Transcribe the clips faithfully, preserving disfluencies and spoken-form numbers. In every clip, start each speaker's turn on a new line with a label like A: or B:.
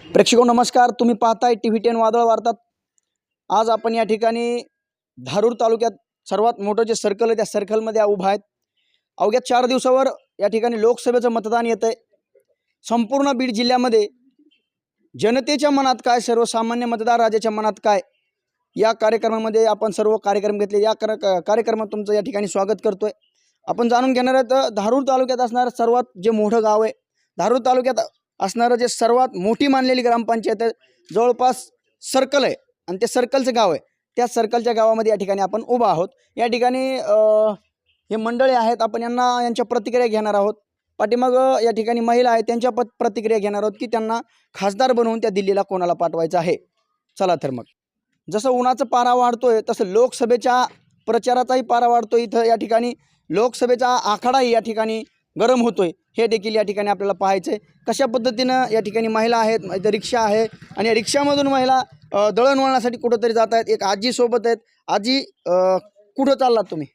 A: प्रेक्षको नमस्कार, तुम्ही पाहताय टी व्ही टेन वादळ वार्ता। आज आपण या ठिकाणी धारूर तालुक्यात सर्वात मोठं जे सर्कल आहे त्या सर्कलमध्ये उभा आहेत। अवघ्या चार दिवसावर या ठिकाणी लोकसभेचं मतदान येत आहे। संपूर्ण बीड जिल्ह्यामध्ये जनतेच्या मनात काय, सर्वसामान्य मतदार राजाच्या मनात काय, या कार्यक्रमामध्ये आपण सर्व कार्यक्रम घेतले। या कार्यक्रमात तुमचं या ठिकाणी स्वागत करतोय। आपण जाणून घेणार आहोत धारूर तालुक्यात असणारं सर्वात जे मोठं गाव आहे, धारूर तालुक्यात असणारं जे सर्वात मोठी मानलेली ग्रामपंचायत आहे, जवळपास सर्कल आहे आणि ते सर्कलचं गाव आहे। त्या सर्कलच्या गावामध्ये या ठिकाणी आपण उभा आहोत। या ठिकाणी हे मंडळी आहेत, आपण यांना यांच्या प्रतिक्रिया घेणार आहोत। पाठीमाग या ठिकाणी महिला आहेत, त्यांच्या प्रतिक्रिया घेणार आहोत की त्यांना खासदार बनवून त्या दिल्लीला कोणाला पाठवायचं आहे। चला तर मग, जसं उन्हाचा पारा वाढतोय तसं लोकसभेच्या प्रचाराचाही पारा वाढतोय। इथं या ठिकाणी लोकसभेचा आखाडाही या ठिकाणी गरम होतोय, हे देखील या ठिकाणी आपल्याला पाहायचं आहे। कशा पद्धतीनं या ठिकाणी महिला आहेत, इथं रिक्षा आहे आणि या रिक्षामधून महिला दळणवळणासाठी कुठंतरी जात आहेत। एक आजी सोबत आहेत। आजी, कुठं चाललात तुम्ही?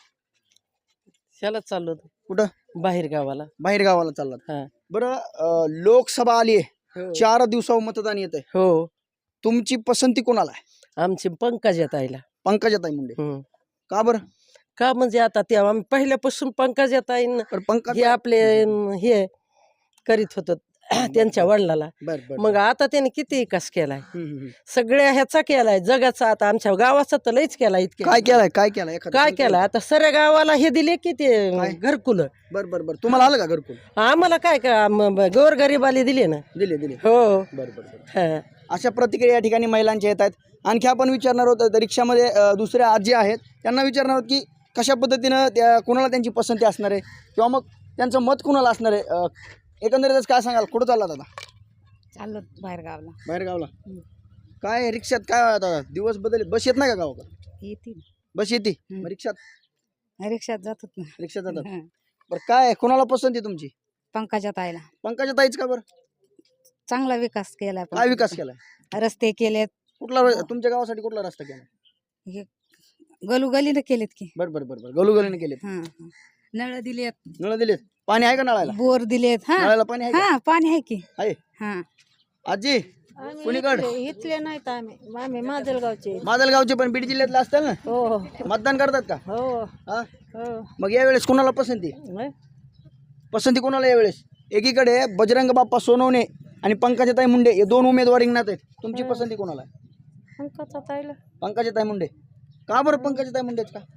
B: शाळेत चाललो होतो।
A: कुठं?
B: बाहेर गावाला।
A: बाहेर गावाला चाललात?
B: हा।
A: बरं, लोकसभा आली आहे, चार दिवसावर मतदान येत आहे।
B: हो।
A: तुमची पसंती कोणाला आहे?
B: आमची पंकजाताईला।
A: पंकजाताई मुंडे। का बरं?
B: का म्हणजे आता ते आम्ही पहिल्यापासून पंकजाताईन
A: पंकज
B: हे आपले हे करीत होतो त्यांच्या वडिलाला। मग आता त्याने किती विकास केलाय, सगळ्या ह्याचा केलाय, जगाचा। आता आमच्या गावाचा तर लईच केलाय। इतके
A: काय केलाय? काय केलाय?
B: काय केलाय? आता सगळ्या गावाला हे दिले की ते घरकुल।
A: बर बर बर तुम्हाला आलं का घरकुल?
B: आम्हाला काय का गोरगरीबाले दिले ना।
A: दिले दिले
B: हो।
A: बर बर अशा प्रतिक्रिया या ठिकाणी महिलांच्या येत आहेत। आणखी आपण विचारणार आहोत, रिक्षामध्ये दुसऱ्या आजी आहेत, त्यांना विचारणार आहोत की कशा पद्धतीनं त्या कोणाला त्यांची पसंती असणार आहे किंवा मग त्यांचं मत कोणाला असणार आहे। एकंदरीतच काय सांगाल? कुठं चाललात आता?
C: चाललो बाहेर गावला।
A: बाहेर गावला? काय रिक्षात काय आता दिवस बदल, बस येत नाही का गावाकडे?
C: येते
A: बस येते, रिक्षात
C: रिक्षात जातात ना।
A: रिक्षात जातात। बरं, काय कोणाला पसंती तुमची?
C: पंकजाताईला।
A: पंकजाताईच का बरं?
C: चांगला विकास केलाय।
A: काय विकास केलाय?
C: रस्ते केलेत।
A: कुठला तुमच्या गावासाठी कुठला रस्ता केला?
C: गलूगलीने केलेत की।
A: बरं बरं बरं गलूगलीने केलेत।
C: नळ दिलेत।
A: नळ दिलेत? पाणी आहे का नळाला?
C: बोर दिलेत। हा,
A: नळाला पाणी आहे?
C: हा, पाणी आहे की।
A: आहे।
C: हा।
A: आजी, कुणीकडे?
C: इथले नाहीत आम्ही, आम्ही माजलगावचे।
A: माजलगावचे पण बीड जिल्ह्यातले असतात ना?
C: हो।
A: मतदान करतात का?
C: हो।
A: हा, मग यावेळेस कोणाला पसंती? पसंती कोणाला यावेळेस? एकीकडे बजरंग बाप्पा सोनवणे आणि पंकजाताई मुंडे हे दोन उमेदवार रिंगणात आहेत। तुमची पसंती कोणाला आहे?
C: पंकजाताईला।
A: पंकजाताई मुंडे। का बरं पंकजाताई मुंडेच का?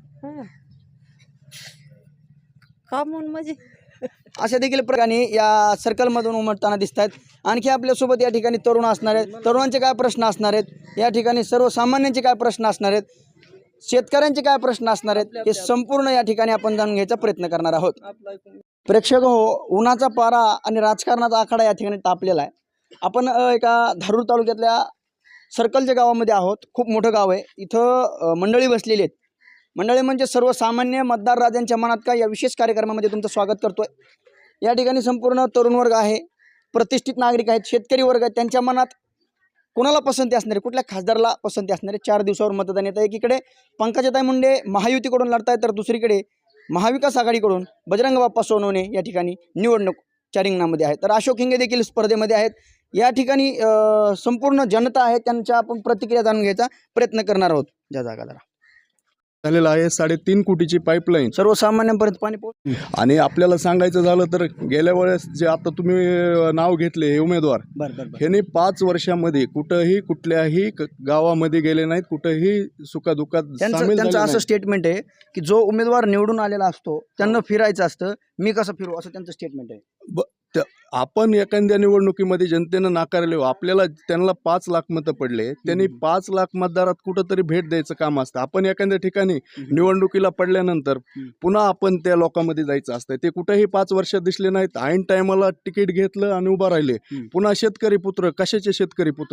C: का म्हणून म्हणजे
A: अशा देखील प्रकारे या सर्कलमधून उमटताना दिसत आहेत। आणखी आपल्यासोबत या ठिकाणी तरुण असणार आहेत। तरुणांचे काय प्रश्न असणार आहेत, या ठिकाणी सर्वसामान्यांचे काय प्रश्न असणार आहेत, शेतकऱ्यांचे काय प्रश्न असणार आहेत, हे संपूर्ण या ठिकाणी आपण जाणून घ्यायचा प्रयत्न करणार आहोत। प्रेक्षक हो, उन्हाचा पारा आणि राजकारणाचा आखाडा या ठिकाणी तापलेला आहे। आपण एका धारूर तालुक्यातल्या सर्कलच्या गावामध्ये आहोत। खूप मोठं गाव आहे। इथं मंडळी बसलेली आहेत। मंडळी म्हणजे सर्वसामान्य मतदार राजांच्या मनात काय, या विशेष कार्यक्रमामध्ये तुमचं स्वागत करतोय। या ठिकाणी संपूर्ण तरुण वर्ग आहे, प्रतिष्ठित नागरिक आहेत, शेतकरी वर्ग आहेत। त्यांच्या मनात कोणाला पसंती असणार आहे, कुठल्या खासदाराला पसंती असणार आहे? चार दिवसावर मतदान येतं। एकीकडे पंकजाताई मुंडे महायुतीकडून लढतायत, तर दुसरीकडे महाविकास आघाडीकडून बजरंग बाप्पा सोनवणे या ठिकाणी निवडणुकीच्या रिंगणामध्ये आहेत। तर अशोक हिंगे देखील स्पर्धेमध्ये आहेत। या ठिकाणी संपूर्ण जनता आहे, त्यांच्या आपण प्रतिक्रिया जाणून घ्यायचा प्रयत्न करणार आहोत। ज्या जागा
D: झालेला आहे साडेतीन कोटीची पाईपलाईन
A: सर्वसामान्यांपर्यंत पाणी पोहोच।
D: आणि आपल्याला सांगायचं झालं तर गेल्या वेळेस जे आता तुम्ही नाव घेतले हे उमेदवार, ह्यांनी पाच वर्षामध्ये कुठंही कुठल्याही गावामध्ये गेले नाहीत, कुठंही सुखादुखात सामील
A: त्यांचं असं स्टेटमेंट आहे की जो उमेदवार निवडून आलेला असतो त्यांना फिरायचं असतं, मी कसं फिरू, असं त्यांचं स्टेटमेंट आहे।
D: आपण एखाद्या निवडणुकीमध्ये जनतेनं नाकारले, आपल्याला त्यांना पाच लाख मतं पडले, त्यांनी पाच लाख मतदारात कुठंतरी भेट द्यायचं काम असतं। आपण एखाद्या ठिकाणी निवडणुकीला पडल्यानंतर पुन्हा आपण त्या लोकांमध्ये जायचं असतं। ते कुठेही पाच वर्ष दिसले नाहीत, ऐन टायमाला तिकीट घेतलं आणि उभा राहिले। पुन्हा शेतकरी पुत्र, कशाचे शेतकरी पुत्र आहेत?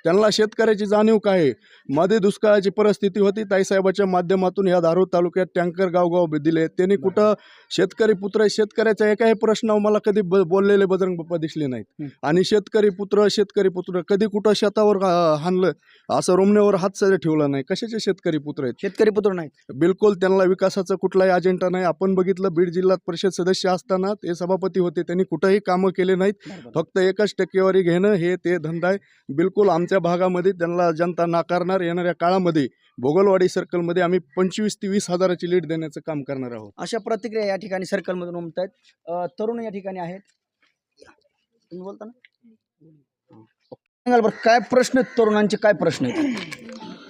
D: त्यांना शेतकऱ्याची जाणीव काय आहे. मध्ये दुष्काळाची परिस्थिती होती, ताईसाहेबाच्या माध्यमातून ह्या धारूर तालुक्यात टँकर गावगाव दिले. त्यांनी कुठं शेतकरी पुत्र शेतकऱ्याचा एकाही प्रश्न मला कधी ब बोललेले बजरंग बाप्पा दिसले नाहीत. आणि शेतकरी पुत्र शेतकरी पुत्र कधी कुठं शेतावर अं, हाणलं असं रोमण्यावर हात सध्या ठेवला नाही. कशाचे शेतकरी पुत्र आहेत?
A: शेतकरी पुत्र नाहीत.
D: बिलकुल त्यांना विकासाचा कुठलाही अजेंडा नाही. आपण बघितलं बीड जिल्हा परिषद सदस्य असताना ते सभापती होते, त्यांनी कुठंही कामं केले नाहीत. फक्त एकच टक्केवारी घेणं हे ते धंदा आहे. बिलकुल आमच्या भागामध्ये त्यांना जनता नाकारणार. येणाऱ्या काळामध्ये भोगलवाडी सर्कलमध्ये आम्ही पंचवीस ते वीस हजाराची लीड देण्याचं काम करणार आहोत.
A: अशा प्रतिक्रिया या ठिकाणी सर्कलमधून उमटत आहेत. तरुण या ठिकाणी आहेत. तुम्ही बोलता ना, सांगाल बरं काय प्रश्न आहेत तरुणांचे, काय प्रश्न आहेत?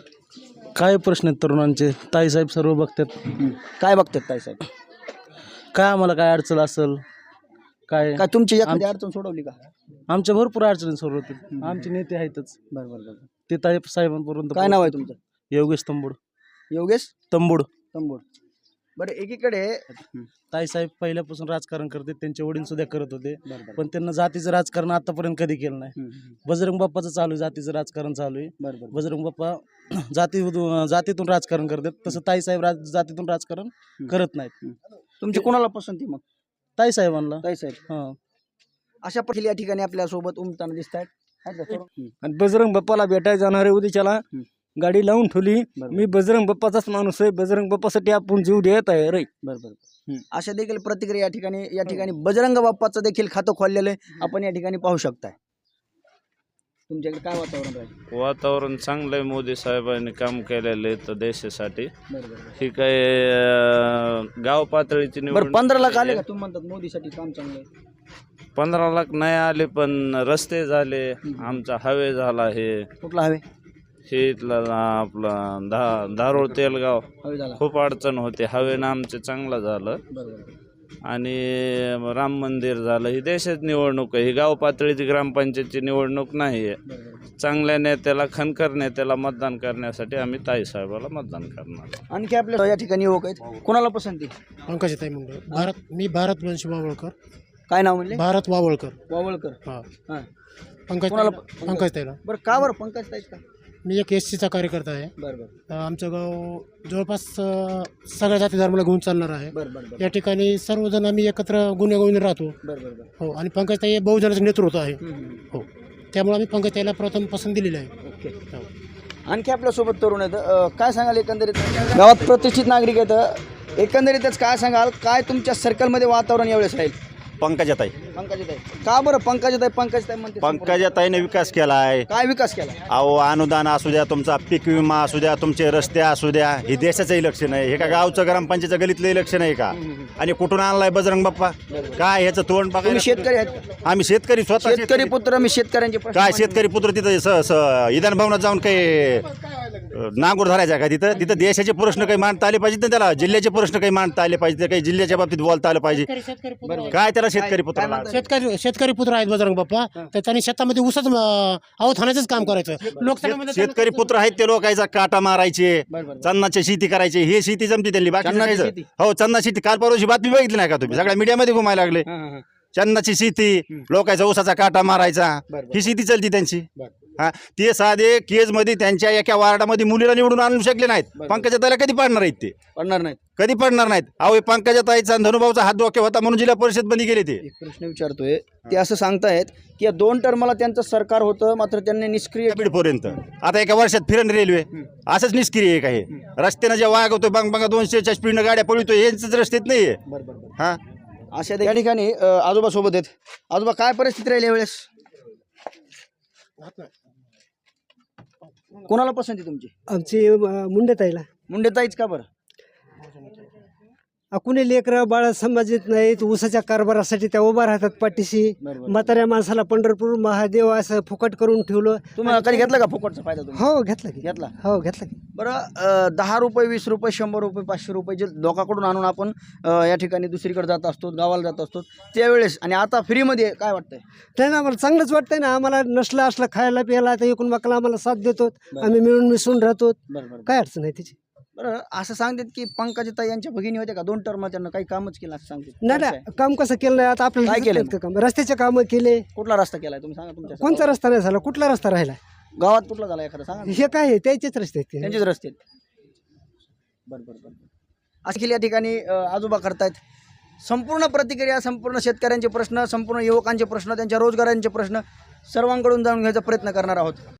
E: काय प्रश्न आहेत तरुणांचे? ताईसाहेब सर्व बघतात.
A: काय बघतात ताई साहेब?
E: काय आम्हाला काय अडचण असेल काय
A: काय तुमची एखादी अडचण सोडवली का?
E: आमच्या भरपूर अडचणी सर्व होतील. आमचे नेते आहेतच
A: बरं बरं बरं.
E: ते ताई साहेबांपर्यंत.
A: काय नाव आहे तुमचं?
E: योगेश तंबूड.
A: योगेश
E: तंबूड.
A: तंबोड. बरं एकीकडे
E: ताईसाहेब पहिल्यापासून राजकारण करते, त्यांचे वडील सुद्धा करत होते,
A: बरं, बरं.
E: पण त्यांना जातीचं राजकारण आतापर्यंत कधी केलं नाही.
A: हम्म, हम्म.
E: बजरंग बाप्पाचं चालू आहे, जातीचं राजकारण चालू आहे.
A: बरं बरं.
E: बजरंग बाप्पा जाती जातीतून राजकारण करतात, तसं ताईसाहेब राज जातीतून राजकारण करत नाहीत.
A: तुमची कोणाला पसंती मग?
E: ताईसाहेबांना.
A: ताई साहेब.
E: हां.
A: अशा पहिले या ठिकाणी आपल्या सोबत उमटताना दिसत आहेत.
F: आणि बजरंग बाप्पाला भेटायला जाणारे उद्याच्याला गाडी लावून ठेवली.
A: बरोबर.
F: मी बजरंग बाप्पाचाच माणूस आहे. बजरंग बाप्पासाठी आपण जीव देत आहे रे.
A: बरोबर. अशा देखील प्रतिक्रिया या ठिकाणी या ठिकाणी बजरंग बाप्पाचं देखील खातं खोललेलं आहे, आपण या ठिकाणी पाहू शकताय. तुमच्याकडे काय वातावरण राहील?
G: वातावरण चांगलं आहे. मोदी साहेबांनी काम केलेलं आहे तर देशासाठी.
A: बरोबर.
G: ही काय अं, गाव पातळीची
A: बरं
G: निवडणूक
A: पंधरा लाख आले
G: आहे.
A: का? तुम्ही म्हणतात मोदीसाठी काम चांगलं आहे.
G: पंधरा लाख नाही आले, पण रस्ते झाले, आमचा हायवे झाला. हे
A: कुठला हवे?
G: हे इथलं आपला धा धारोळ तेलगाव
A: हवे झाला.
G: खूप अडचण होते. हवेनं आमचं चांगलं झालं.
A: बरोबर.
G: आणि राम मंदिर झालं. ही देशाची निवडणूक आहे, ही गाव पातळीची ग्रामपंचायतची निवडणूक नाही आहे.
A: बरोबर.
G: चांगल्या नेत्याला खणकर नेत्याला मतदान करण्यासाठी आम्ही ताईसाहेबाला मतदान करणार.
A: आणखी आपल्या या ठिकाणी युवक आहेत, कोणाला पसंती?
H: पंकजताई मुंडे. भारत मी भारत वंशी वावळकर.
A: काय नाव म्हणले?
H: भारत वावळकर.
A: वावळकर.
H: हा.
A: हां.
H: पंकज
A: कोणाला?
H: पंकजताईला.
A: बरं का बरं पंकज ताईच का?
H: मी एक एस सीचा कार्यकर्ता आहे.
A: बरं बरं.
H: अ, आमचं गाव जवळपास अ, सगळ्या जाती धर्माला घेऊन चालणार आहे.
A: बरं बरं बरं.
H: या ठिकाणी सर्वजण आम्ही एकत्र गुन्हेगोविंद राहतो.
A: बरं बरं बरं.
H: हो. आणि पंकजताई हे बहुजनाचं नेतृत्व आहे.
A: हम्म, हम्म.
H: हो. त्यामुळे आम्ही पंकजताईला प्रथम पसंत दिलेली आहे.
A: ओके.
H: हो.
A: आणखी आपल्यासोबत तरुण आहेत. अं, काय सांगाल एकंदरीत गावात प्रतिष्ठित नागरिक आहेत, एकंदरीतच काय सांगाल, काय तुमच्या सर्कलमध्ये वातावरण यावेळेस राहील?
I: पंकजाताई.
A: पंकजाताई का बरं? पंकजाताई पंकजाताई म्हणते.
I: पंकजाताईने विकास केला आहे.
A: काय विकास केला?
I: अहो अनुदान असू द्या, तुमचा पीक विमा असू द्या, तुमचे रस्ते असू द्या, हे देशाचं इलेक्शन आहे. हे का गावचं ग्रामपंचायतचं गलीतलं इलेक्शन आहे का? आणि कुठून आणलाय बजरंग बाप्पा? काय ह्याचं तोंड बघा.
A: तुम्ही शेतकरी आहेत का?
I: आम्ही शेतकरी, स्वतः
A: शेतकरी
I: शेतकरी.
A: पुत्र, मी शेतकऱ्यांचे प्रश्न
I: काय
A: मांडले.
I: शेतकरी पुत्र तिथं स स विधान भवनात जाऊन काही नांगूर धरायचा का? तिथं तिथं देशाचे प्रश्न काही मांडता आले पाहिजेत ना, त्याला जिल्ह्याचे प्रश्न काही मांडता आले पाहिजे, काही जिल्ह्याच्या बाबतीत बोलता आलं पाहिजे. काय त्याला शेतकरी पुत्र लागलं?
H: शेतकरी शेतकरी पुत्र आहेत बजरंग बाप्पा. तर त्यांनी शेतामध्ये ऊसच अवधानाचंच थाण्याचंच काम करायचं. लोकसभेमध्ये
I: शेतकरी पुत्र आहेत ते लोकांचा काटा मारायचे,
A: बरं, बरं.
I: चन्नाची शेती करायची. हे शेती जमती त्यांनी, बाकी
A: चन्नाची शेती?
I: हो चन्ना शेती. काल परवाची बातमी बघितली नाही का तुम्ही? सगळ्या मीडियामध्ये घुमायला लागले.
A: हां, हां, हां.
I: चन्नाची शेती, लोकांचा ऊसाचा काटा मारायचा,
A: बरं, बरं.
I: ही शेती चालती त्यांची.
A: बरं.
I: हा. ते साधे केज मध्ये त्यांच्या एका वार्डामध्ये मुलीला निवडून आणू शकले नाहीत.
A: बरं.
I: पंकजाताईला कधी पाडणार आहेत ते?
A: पडणार नाही.
I: कधी पडणार नाहीत. अहो पंकजाताईचा धनुभाऊचा हात डोक्यात होता म्हणून जिल्हा परिषद बंदी गेले ते.
A: एक प्रश्न विचारतोय, ते असं सांगतायत की या दोन टर्मला त्यांचं सरकार होतं, मात्र त्यांनी निष्क्रिय
I: बीडपर्यंत आता एका वर्षात फिरण रेल्वे असंच निष्क्रिय आहे का? हे रस्त्यानं जे वागवतोय बंग बंगा दोनशेच्या स्पीडनं गाड्या पळतोय, यांचंच रस्त्यात नाहीये.
A: बरं बरं बरं.
I: हा.
A: अशा या ठिकाणी अं, आजोबा सोबत आहेत. आजोबा काय परिस्थिती राहिली यावेळेस? कोणाला पसंती तुमची?
F: आमची मुंडेताईला.
A: मुंडेताईच का बरं?
F: कुणी लेकरं बाळा समाजित नाहीत. ऊसाच्या कारभारासाठी त्या उभा राहतात पाठीशी.
A: बरोबर.
F: म्हाताऱ्या माणसाला पंढरपूर महादेव असं फुकट करून ठेवलं.
A: तुम्ही कधी घेतला का फुकटचा फायदा तुम्ही?
F: हो घेतला की.
A: घेतला.
F: हो घेतला की.
A: बरं अं, दहा रुपये, वीस रुपये, शंभर रुपये, पाचशे रुपये जे लोकांकडून आणून आपण अं, या ठिकाणी दुसरीकडे जात असतो, गावाला जात असतो त्यावेळेस, आणि आता फ्रीमध्ये काय वाटतंय?
F: नाही ना, आम्हाला चांगलंच वाटतंय ना. आम्हाला नसलं असलं खायला प्यायला तर एकूण मकला आम्हाला साथ देतो. आम्ही मिळून मिसळून राहतो.
A: बरं बरं.
F: काय अडचण आहे तिची?
A: बरं असं सांगतात की पंकजाताई यांच्या भगिनी होत्या का? दोन टर्म त्यांना काही कामच केलं असं सांगतात.
F: नाही नाही, काम कसं केलं नाही आता आपल्याला
A: काय
F: दिसत
A: केलं
F: नाहीत का काम? रस्त्याचे कामं केले.
A: कुठला रस्ता केलाय तुम्ही सांगा तुमच्या?
F: कोणता रस्ता नाही झाला? कुठला रस्ता राहिला?
A: गावात कुठला झाला एखादा सांगा ना.
F: हे काय आहे त्याचेच रस्ते आहेत ते.
A: त्यांचेच रस्ते आहेत. बरं बरं बरं अखिल या ठिकाणी अ, आजोबा करतायत संपूर्ण प्रतिक्रिया, संपूर्ण शेतकऱ्यांचे प्रश्न, संपूर्ण युवकांचे प्रश्न, त्यांच्या रोजगारांचे प्रश्न सर्वांकडून जाणून घ्यायचा प्रयत्न करणार आहोत.